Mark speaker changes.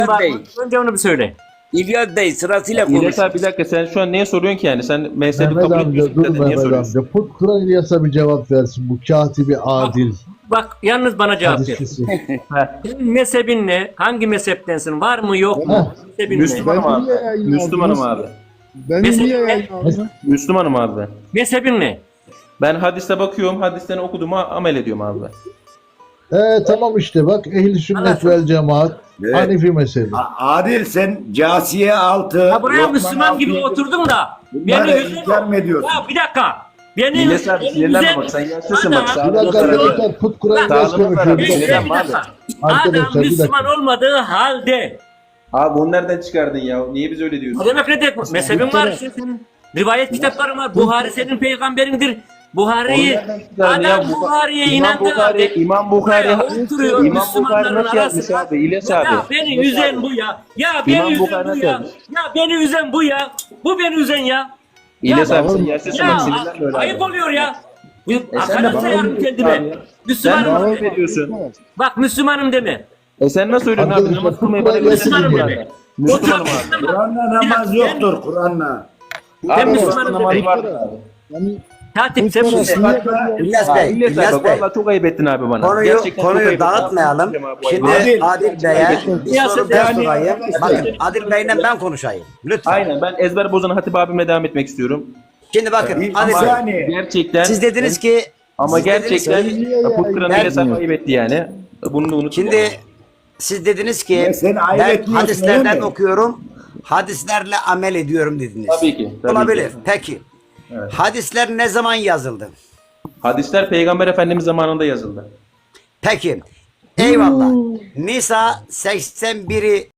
Speaker 1: İlyas Bey,
Speaker 2: Önce onu bir söyle.
Speaker 1: İlyas Bey sırasıyla konuş.
Speaker 3: İlyas abi bir dakika, sen şu an neye soruyorsun ki yani? Sen mezhebi
Speaker 4: Mehmet
Speaker 3: kabul
Speaker 4: amca
Speaker 3: etmiyorsun
Speaker 4: dur
Speaker 3: zaten. Niye
Speaker 4: Mehmet
Speaker 3: soruyorsun?
Speaker 4: amca. Put Kur'an İlyas'a bir cevap versin. Bu katibi adil.
Speaker 2: Bak yalnız bana cevap ver.
Speaker 4: Hadisçisi.
Speaker 2: Senin mezhebin ne? Hangi mezheptensin? Var mı yok mu? Mezhebin ne?
Speaker 3: Müslümanım abi.
Speaker 5: niye yayınladınız?
Speaker 3: Müslümanım abi.
Speaker 5: Beni
Speaker 2: Mesela
Speaker 5: niye
Speaker 2: ne?
Speaker 5: yayınladın?
Speaker 3: Müslümanım abi.
Speaker 2: Mezhebin ne?
Speaker 3: Ben hadiste bakıyorum, hadisten okuduğumu amel ediyorum abi.
Speaker 4: Tamam işte bak ehli sünnet
Speaker 2: Anladım.
Speaker 4: vel cemaat
Speaker 6: Evet.
Speaker 4: Hanefi mezhebi.
Speaker 6: Adil sen casiye altı.
Speaker 2: Ya buraya
Speaker 6: Lokman
Speaker 2: Müslüman gibi
Speaker 6: altı-
Speaker 2: oturdun da.
Speaker 6: Bunları
Speaker 2: Beni
Speaker 6: inkar mı ediyorsun?
Speaker 2: Ya bir dakika. Beni
Speaker 3: İlyas abi sinirlenme bak, sen yaşlısın bak.
Speaker 4: Bir
Speaker 3: Sağlığına
Speaker 4: dakika
Speaker 3: zarar veriyor.
Speaker 4: arkadaşlar Put Kur'an İlyas
Speaker 3: Sağlığına zarar
Speaker 4: konuşuyor. Bir
Speaker 3: veriyor.
Speaker 4: dakika.
Speaker 2: Bir dakika.
Speaker 4: Arkadaşlar,
Speaker 2: Adam
Speaker 4: bir
Speaker 2: Müslüman
Speaker 4: dakika.
Speaker 2: olmadığı halde.
Speaker 3: Abi onu nereden çıkardın ya? Niye biz öyle
Speaker 2: Ne
Speaker 3: diyorsun?
Speaker 2: demek ne demek? Mezhebin var işte senin. Rivayet kitapların var. Buhari senin peygamberindir. Buhari'yi
Speaker 3: Onu nereden çıkardın ya?
Speaker 2: adam Buhari'ye
Speaker 3: İmam
Speaker 2: inandı
Speaker 3: Bukhari,
Speaker 2: abi.
Speaker 3: İmam Bukhari,
Speaker 2: Buraya oturuyor
Speaker 3: İmam Bukhari
Speaker 2: Müslümanların
Speaker 3: nasıl yazmış
Speaker 2: arasında.
Speaker 3: abi? İlyas
Speaker 2: Ya
Speaker 3: abi.
Speaker 2: beni üzen bu ya. Ya beni
Speaker 3: İmam
Speaker 2: üzen
Speaker 3: Bukhari
Speaker 2: bu
Speaker 3: nasıl
Speaker 2: ya.
Speaker 3: yazmış?
Speaker 2: Ya beni üzen bu ya. Bu beni üzen ya.
Speaker 3: İlyas
Speaker 2: Ya,
Speaker 3: abi sen yaşlısın
Speaker 2: Ya
Speaker 3: bak, sinirlenme öyle
Speaker 2: ayıp
Speaker 3: abi.
Speaker 2: oluyor ya.
Speaker 3: sen de
Speaker 2: Arkadaş
Speaker 3: bana
Speaker 2: sayarım
Speaker 3: öyle
Speaker 2: kendime.
Speaker 3: abi ya. Sen
Speaker 2: Müslümanım.
Speaker 3: bana
Speaker 2: deme.
Speaker 3: veriyorsun.
Speaker 2: Bak Müslümanım deme.
Speaker 3: Sen nasıl öyle abi?
Speaker 4: Arkadaşlar,
Speaker 3: Namaz kılmayı
Speaker 4: Kur'an
Speaker 3: bana
Speaker 4: İlyas'ı
Speaker 3: öğretirsin
Speaker 2: Müslümanım
Speaker 4: dinleyin.
Speaker 3: Kur'an'da.
Speaker 2: deme.
Speaker 3: Müslümanım abi.
Speaker 6: Kur'an'la namaz yoktur Kur'an'la.
Speaker 2: Ben
Speaker 3: Abi
Speaker 2: Müslümanım
Speaker 3: Müslüman namazı
Speaker 2: demek.
Speaker 3: vardır abi.
Speaker 5: Yani
Speaker 2: Katip sen
Speaker 5: Müslüman-
Speaker 2: Müslüman.
Speaker 7: İlyas Bey,
Speaker 3: İlyas
Speaker 7: İlyas
Speaker 3: abi
Speaker 7: Bey.
Speaker 3: valla çok ayıp ettin abi bana.
Speaker 7: Konuyu,
Speaker 3: Gerçekten çok ayıp ettin.
Speaker 7: dağıtmayalım.
Speaker 3: Abi, bu
Speaker 7: Şimdi
Speaker 3: ayıp.
Speaker 7: Adil Bey'e bir
Speaker 2: İlyas
Speaker 7: soru
Speaker 2: Bey,
Speaker 7: ben
Speaker 2: yani-
Speaker 7: sorayım. Bakın Adil Bey'le ben konuşayım. Lütfen.
Speaker 3: Aynen, ben ezber bozan Hatip abime devam etmek istiyorum.
Speaker 7: Şimdi bakın
Speaker 6: Bir
Speaker 7: Adil Bey.
Speaker 6: saniye.
Speaker 3: Gerçekten
Speaker 7: Siz dediniz ki
Speaker 3: ama
Speaker 7: siz dediniz
Speaker 3: gerçekten
Speaker 7: ki-
Speaker 3: Putkuran
Speaker 7: Ben-
Speaker 3: İlyas abi ayıp etti yani. Bunu da unutma.
Speaker 7: Şimdi siz dediniz ki
Speaker 6: Ya sen ayıp
Speaker 7: ben
Speaker 6: etmiyorsun,
Speaker 7: hadislerden
Speaker 6: öyle mi?
Speaker 7: okuyorum. Hadislerle amel ediyorum dediniz.
Speaker 3: Tabii ki. Tabii
Speaker 7: Olabilir.
Speaker 3: ki.
Speaker 7: Peki.
Speaker 3: Evet.
Speaker 7: Hadisler ne zaman yazıldı?
Speaker 3: Hadisler Peygamber Efendimiz zamanında yazıldı.
Speaker 7: Peki. Eyvallah. Nisa 81'i